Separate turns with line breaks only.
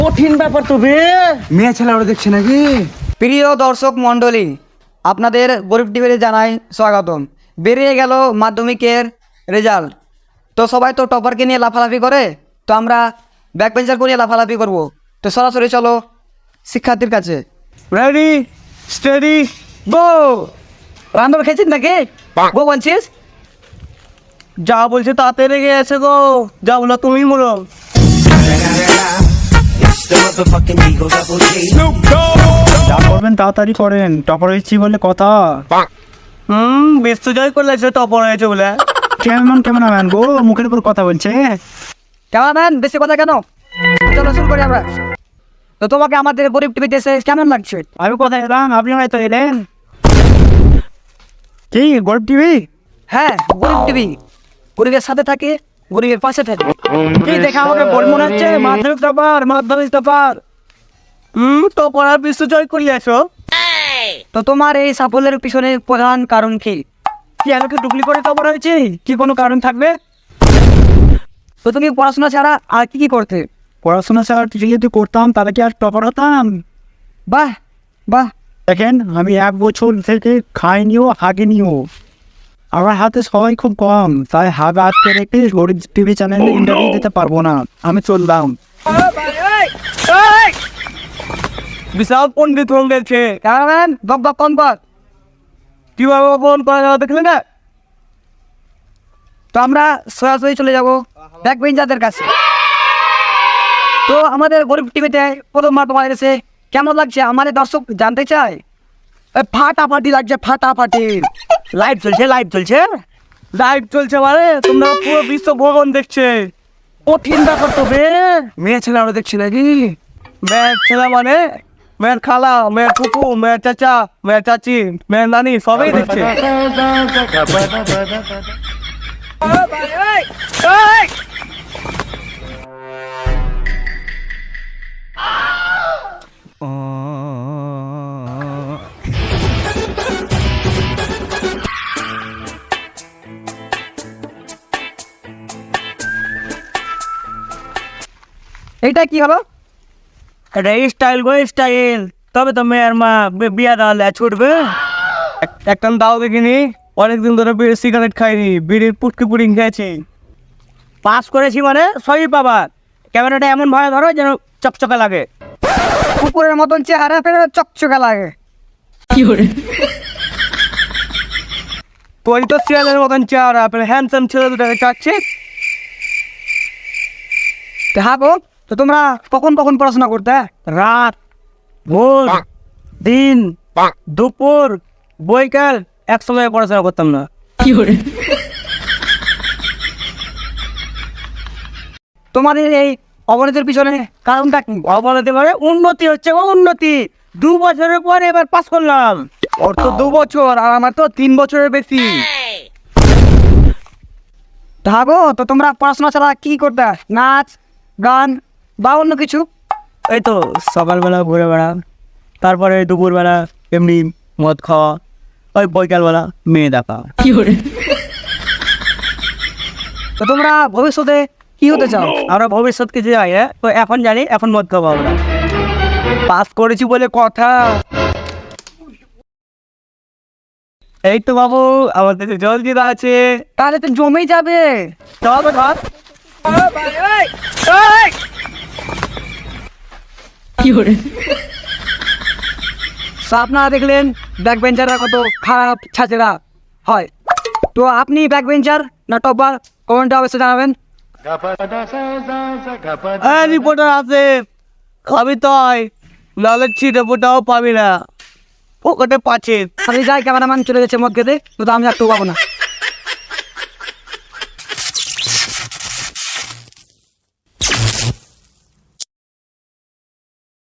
কঠিন ব্যাপার তো বে।
মেয়ে ছেলে ওরা দেখছে নাকি?
প্রিয় দর্শক মণ্ডলী, আপনাদের গরিব টিভিতে জানাই স্বাগতম। বেরিয়ে গেল মাধ্যমিকের রেজাল্ট, তো সবাই তো টপারকে নিয়ে লাফালাফি করে, তো আমরা ব্যাক বেঞ্চারকে নিয়ে লাফালাফি করব। তো সরাসরি চলো শিক্ষার্থীর কাছে।
Ready steady go.
রান্নার খেয়েছিস নাকি? গো বলছিস?
যা বলছে তাতে রেগে আছে গো, যা বলো তুমি বলো।
যা করবেন তাড়াতাড়ি করেন, টপার হয়েছি বলে কথা।
বেশ জয় করলে টপার হয়েছে বলে।
কেমন আমেন গো, মুখের উপর কথা বলছে।
কেমন বেশি কথা কেন? চলো শুরু করি আমরা। তো তোমাকে আমাদের গরিব টিভিতে এসে কেমন লাগছে?
আমি কোথায় এলাম, আপনি হয়তো এলেন। কি গরিব টিভি?
হ্যাঁ, গরিব টিভি গরিবের সাথে থাকে, গরিবের পাশে থাকে।
কি দেখে আমাকে বড় মনে হচ্ছে? মাধ্যমিক টপার।
টপার আর বিশ্ব জয় করলে আসো।
তো তোমার এই সাফল্যের পিছনে প্রধান কারণ কি?
কি আমাকে ডুপ্লি করে টপার হয়েছে? কি কোনো কারণ থাকবে?
তো তুমি পড়াশোনা ছাড়া আর কি কি করতে?
পড়াশোনা ছাড়া যদি করতাম তাহলে কি আর টপার হতাম?
বাহ বাহ।
দেখেন, আমি 1 বছর থেকে খাইনিও হাগিনিও। আমার হাতে সময় খুব কম, তাই হাত আজকে রেখে গরিব টিভি চ্যানেলে ইন্টারভিউ দিতে পারবো না। আমি চললাম।
বিশাল পণ্ডিত হয়ে গেছে।
ক্যামেরাম্যান বক বক কম কর।
কিভাবে ফোন করা দেখলে না?
তো আমরা সরাসরি চলে যাব ব্যাক বেঞ্চারদের কাছে। তো আমাদের গরিব টিভিতে প্রথমবার তোমার এসে কেমন লাগছে আমাদের দর্শক জানতে চায়।
ফাটাফাটি লাগছে, ফাটাফাটি। লাইভ চলছে লাইভ চলছে মানে তোমরা পুরো বিশ্ব ভ্রমণ দেখছে। কঠিন ব্যাপার তো বে।
মেয়ে ছেলে ওরা দেখছি নাকি?
মেয়ের ছেলে মানে মেয়ের খালা, মেয়ের ফুপু, মেয়ের চাচা, মেয়ের চাচি, মেয়ের নানি সবাই দেখছে।
এইটা কি হলো?
এটা স্টাইল গো স্টাইল। তবে তো মেয়ের মা বিয়া দেওয়ালে ছুটবে। একটা দাও দেখিনি, অনেকদিন ধরে বিড়ির সিগারেট খাইনি, বিড়ির পুটকি পুডিং খেয়েছি। পাস করেছি মানে সবই পাবা। ক্যামেরাটা এমন ভাবে ধরো যেন চকচকে লাগে।
কুকুরের মতন চেহারা ফেলে চকচকে লাগে।
তোর তো শিয়ালের মতন চেহারা, আপনার হ্যান্ডসাম ছেলে দুটাকে চাচ্ছে।
হ্যাঁ গো, তো তোমরা কখন কখন পড়াশোনা করতে?
রাত, ভোর, দিন, দুপুর, বৈকাল একসঙ্গে পড়াশোনা করতাম না।
তোমাদের এই অবনতির পিছনে কারণটা কি?
অবনতি মানে উন্নতি হচ্ছে গো, উন্নতি। 2 বছরের পরে এবার পাস করলাম।
ওর তো 2 বছর আর আমার তো 3 বছরের বেশি। হ্যাঁ গো, তো তোমরা পড়াশোনা ছাড়া কি করতে? নাচ, গান বা অন্য কিছু?
এই তো সকালবেলা ঘুরে বেড়া, তারপরে দুপুরবেলা এমনি মদ খাওয়া, ওই বৈকালবেলা মেয়ে দেখা।
তো তোমরা ভবিষ্যতে কি হতে চাও?
আমরা ভবিষ্যৎ কিছু যাই, হ্যাঁ তো এখন জানি, এখন মদ খাবো আমরা। পাস করেছি বলে কথা। এই তো বাবু আমাদের জল দিদা আছে।
তাহলে তো জমেই যাবে।
চল ধর।
তো আপনারা দেখলেন ব্যাক বেঞ্চাররা কত খারাপ ছাত্ররা হয়। তো আপনি ব্যাক বেঞ্চার না টপার, কমেন্টে অবশ্যই জানাবেন।
রিপোর্টার আছে, খাবি তয়, নাহলে ছিটে ফোটাও পাবি না, পকেটে পাচ্ছে।
আমি যাই, ক্যামেরাম্যান চলে গেছে মদ খেতে, তো আমি একটু পাবো না।